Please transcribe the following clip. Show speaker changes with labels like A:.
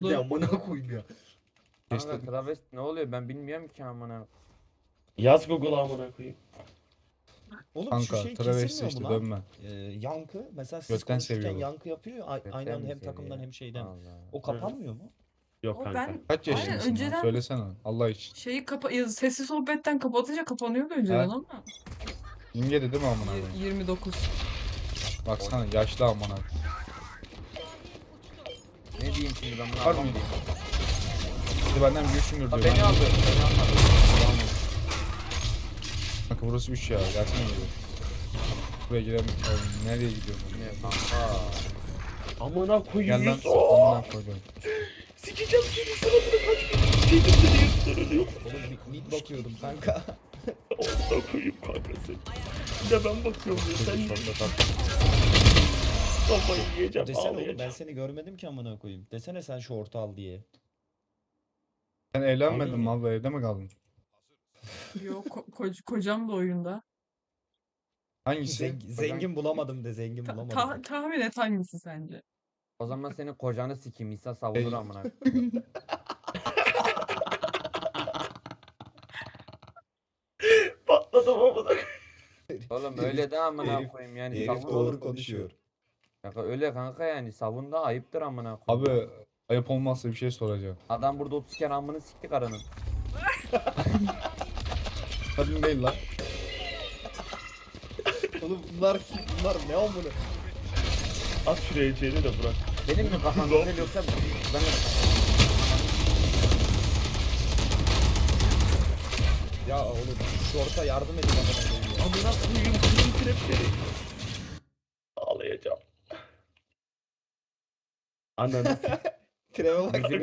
A: Ya amına koyayım ya.
B: Kanka
C: Geçtim.
B: travesti ne oluyor ben bilmiyorum ki amına.
D: Yaz Google'a amına koyayım.
A: Oğlum
C: Kanka,
A: şu şey
C: travesti
A: kesilmiyor
C: işte,
A: mu lan?
C: dönme.
A: Yankı. Mesela siz
C: Götten
A: konuşurken
C: seviyorlar.
A: yankı yapıyor. Aynı anda hem takımdan hem şeyden.
B: Allah.
A: O kapanmıyor mu?
D: Yok
E: Ama
D: kanka.
E: ben
C: Kaç
E: Aynen,
C: yaşındasın lan?
E: önceden-
C: Söylesene Allah için.
E: şeyi sesli sohbetten kapatınca kapanıyordu önceden
C: Ha?
E: ama.
C: İnge de değil mi amına koyayım?
E: 29.
C: Baksana yaşlı amına.
B: Ne diyeyim şimdi ben bunu
C: Var mı?
B: anlamadım.
C: Şimdi benden büyüksündür
B: Ha,
C: diyor.
B: beni aldı. Beni almadı.
C: Kanka burası 3 ya. Gelsene buraya. Buraya girelim. Oğlum, nereye gidiyorsun?
B: Ne kanka.
D: Amına koyayım.
C: Gel lan.
D: Yusuf.
C: Amına koydum.
D: Sikeceğim seni suratına kaç. Şeydim seni yutturuluyor.
A: Oğlum mid bakıyordum kanka.
D: Amına koyayım kanka seni. Bir de ben bakıyorum ya. Sen niye kafayı yiyeceğim
A: Desene oğlum ben
D: ağlayacağım.
A: seni görmedim ki amına koyayım. Desene sen şu orta al diye.
C: Sen evlenmedin
D: Aynen.
C: mi abla? Evde mi kaldın?
E: Yok kocam da oyunda.
C: Hangisi?
A: Zengin bulamadım de zengin bulamadım.
E: Tahmin et hangisi sence?
B: O zaman senin kocanı sikeyim. İsa savunur
C: Ey.
B: amına.
D: Patladım amına koyayım.
B: Oğlum öyle de amına
A: herif-
B: koyayım yani
A: Herif
B: savun.
A: doğru konuşuyor.
B: Kanka öyle kanka yani savun da ayıptır amına koyayım.
C: Abi ayıp olmazsa bir şey soracağım.
B: Adam burada 30 kere amını sikti karının.
C: Kadın değil lan.
A: Oğlum bunlar ne amına?
D: At şuraya içeri de bırak.
B: Benim mi kafam güzel yoksa ben
A: Ya oğlum şu orta yardım edin amına koyayım ya.
D: Amına koyayım kızım trepleri. Ağlayacağım. Ananı
A: Treve bak.
B: Müzik